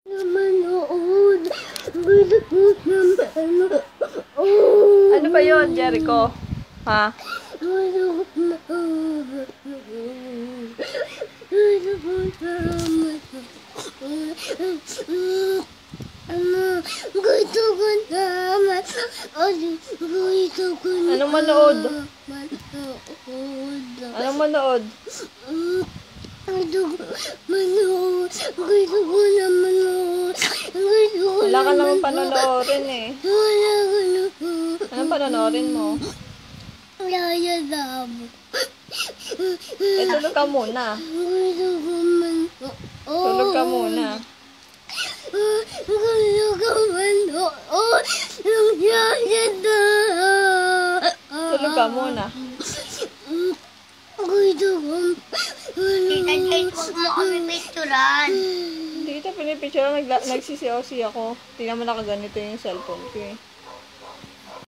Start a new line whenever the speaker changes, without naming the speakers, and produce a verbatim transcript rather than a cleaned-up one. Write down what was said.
Manood.
Ano ba yun, Jericho? Ha?
Gusto ko naman. Gusto ko naman.
Anong manood? Anong manood?
Gusto ko manood. Gusto ko na manood.
Wala ka naman panonoorin eh.
Wala ka na.
Anong panonoorin mo?
Yaya Dabo.
Eh, tulog ka muna.
Gusto ko manood.
Tulog ka muna.
Gusto ko manood. Yung Yaya Dabo.
Tulog ka muna.
Gusto ko manood. Huwag mo kami picturean.
Hindi kita pinipicture. Nag nagsisiyaw-siya ako. Tingnan mo nakaganito yung cellphone ko eh.